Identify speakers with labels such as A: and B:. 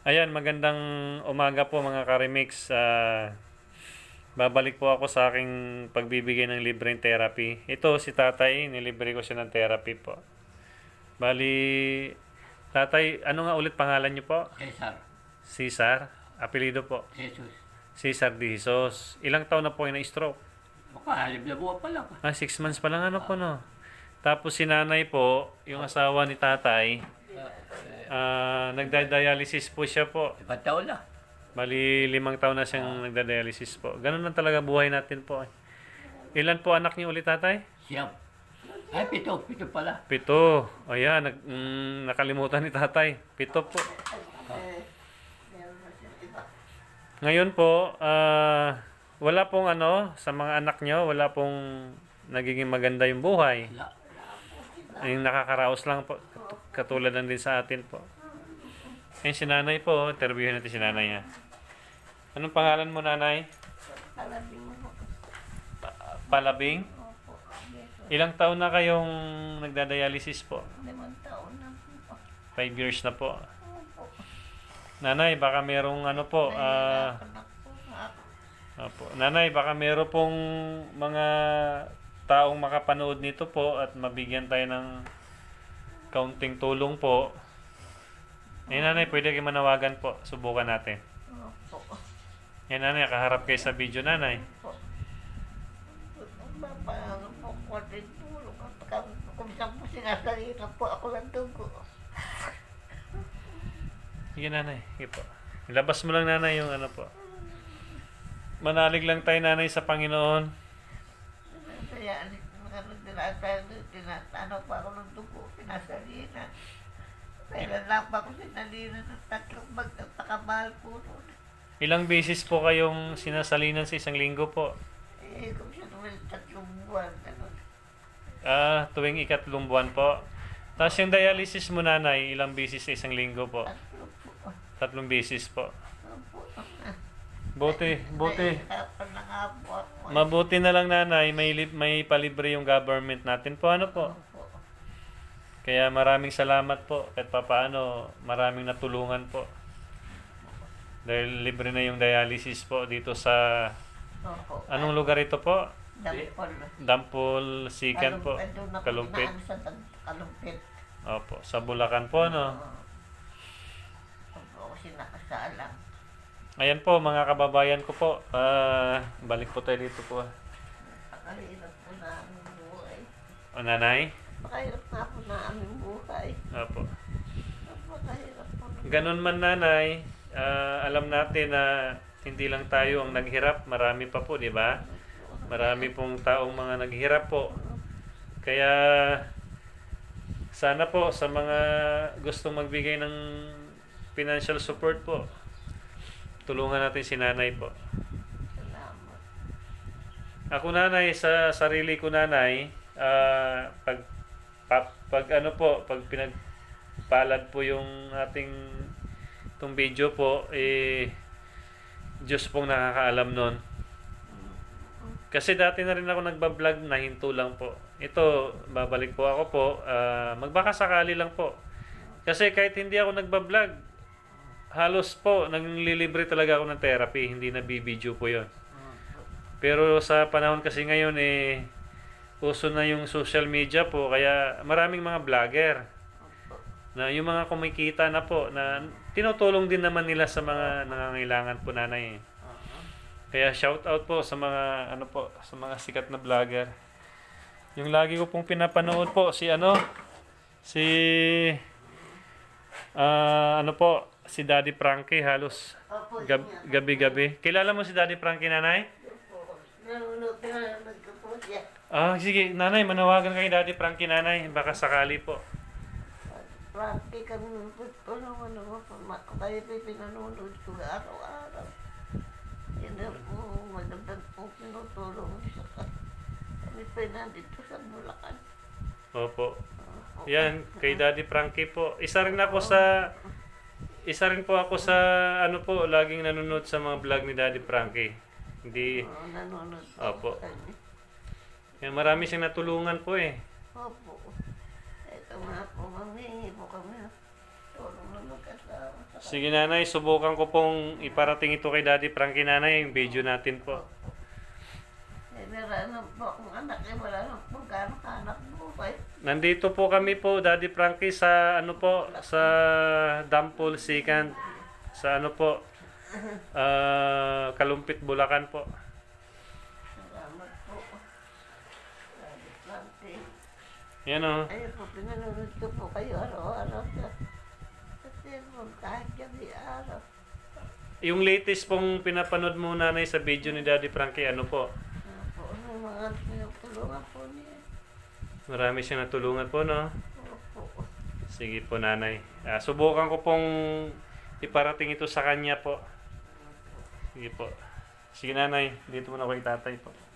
A: Ayan, magandang umaga po mga Karimix. Babalik po ako sa aking pagbibigay ng libreng therapy. Ito si Tatay, nilibre ko siya ng therapy po. Bali, Tatay, ano nga ulit pangalan niyo po?
B: Cesar.
A: Cesar? Apelido po?
B: Jesus.
A: Cesar de Jesus. Ilang taon na po yung na-stroke?
B: Baka, halib na buwan pa lang.
A: 6 months pa lang ano po no? Tapos si nanay po, yung asawa ni Tatay, nagda-dialysis po siya po.
B: Iba't taon na.
A: Bali, 5 taon na siyang nagda-dialysis po. Ganun lang talaga buhay natin po. Ilan po anak niyo ulit, Tatay?
B: Siyam. Ay, pito. Pito pala.
A: 7. Ayan, nakalimutan ni Tatay. 7 po. Ngayon po, wala pong sa mga anak niyo, wala pong nagiging maganda yung buhay.
B: Wala.
A: Yung nakakaraos lang po. Katulad lang din sa atin po. Ngayon si nanay po, interviewin natin si nanay ha. Anong pangalan mo, nanay?
C: Palabing mo.
A: Palabing?
C: Opo. Yes.
A: Ilang taon na kayong nagda-dialysis po?
C: 5 taon na po.
A: 5 years na po.
C: Opo.
A: Nanay, baka merong po,
C: Nahihirapan na po ako.
A: Nanay, baka meron pong mga taong makapanood nito po at mabigyan tayo ng kaunting tulong po. Nanay, pwede kayo manawagan po. Subukan natin.
C: Opo.
A: Nanay, kaharap kayo sa video, nanay.
C: Opo. Paano po ko din tulong. Kung saan po sinasalita po ako ng dugo.
A: Sige, nanay. Sige po. Ilabas mo lang, nanay, yung po. Manalig lang tayo, nanay, sa Panginoon.
C: Kaya tinatano pa ako ng dugo. Pinasalina. Kailan lang pa ako sinalina ng 3 bag. Napakamahal po nun.
A: Ilang beses po kayong sinasalinan sa isang linggo po?
C: Kung siya naman 3 buwan. Ganun.
A: Tuwing 3 buwan po. Tapos yung dialysis mo, nanay, ilang beses sa isang linggo po?
C: 3
A: 3
C: po.
A: beses po.
C: Opo.
A: Buti.
C: Nahihirapan na nga po ako.
A: Mabuti na lang, nanay, may palibre yung government natin po. Ano po?
C: Opo.
A: Kaya maraming salamat po. Kahit papaano, maraming natulungan po. Dahil libre na yung dialysis po dito sa...
C: Opo.
A: Anong lugar ito po?
C: Dampol.
A: Dampol, Sikan po.
C: Doon ako
A: Kalumpit.
C: dinaan sa Kalumpit.
A: Opo, sa Bulacan po, no?
C: Opo ako sinakasalang.
A: Ayan po, mga kababayan ko po. Balik po tayo dito po.
C: Pakahirap po na aming buhay.
A: O, nanay?
C: Pakahirap na po na aming buhay.
A: Opo.
C: Pakahirap po na.
A: Ganun man, nanay, alam natin na hindi lang tayo ang naghirap. Marami pa po, di ba? Marami pong taong mga naghirap po. Kaya, sana po sa mga gustong magbigay ng financial support po, tulungan natin si nanay po.
C: Salamat.
A: Ako, nanay, sa sarili ko, nanay, pag pinagpalad po yung ating itong video po, Diyos pong nakakaalam nun. Kasi dati na rin ako nagbablog, nahinto lang po. Ito, babalik po ako po, magbakasakali lang po. Kasi kahit hindi ako nagbablog, halos po, naglilibre talaga ako ng therapy, hindi na bibidyo po yon. Pero sa panahon kasi ngayon, uso na yung social media po, kaya maraming mga vlogger na yung mga kumikita na po, na tinutulong din naman nila sa mga nangangailangan po, nanay. Kaya shout out po sa mga sa mga sikat na vlogger. Yung lagi ko pong pinapanood po si Daddy Frankie, halos
C: Opo.
A: gabi-gabi. Kilala mo si Daddy Frankie, nanay?
C: Opo. Nanonood ko po siya.
A: Sige, nanay, manawagan kay Daddy Frankie, nanay, baka sakali po.
C: Practic kami ng tulungan ako. Kayo pinanonood ko araw-araw. Yan na po, magandang po pinutulong sa kami pa nandito sa Bulacan.
A: Opo. Yan, kay Daddy Frankie po. Isa rin po ako sa laging nanonood sa mga vlog ni Daddy Frankie. Hindi,
C: Nanonood
A: Opo.
C: kami.
A: yan, marami siyang natulungan po
C: Opo. Ito nga po, mamihingi po kami. Tulong na mag-asawa.
A: Sige nanay, subukan ko pong iparating ito kay Daddy Frankie nanay, yung video natin po.
C: Eh, meron na po akong anak, eh, wala na po gano'ng anak buhay.
A: Nandito po kami po, Daddy Frankie, sa ano po, sa Dampol Second, sa ano po, Kalumpit, Bulacan po.
C: Salamat po. Sabi, Frankie.
A: Yan o.
C: Ayun po, pinanonood ko po kayo araw-araw sa cellphone, kahit gabi araw.
A: Yung latest pong pinapanood mo nanay sa video ni Daddy Frankie, ano po?
C: Ano po, ano mga tinutulungan po niya.
A: Marami siyang natulungan po, no?
C: Opo.
A: Sige po nanay. Subukan ko pong iparating ito sa kanya po. Sige po. Sige nanay, dito muna ako kay tatay po.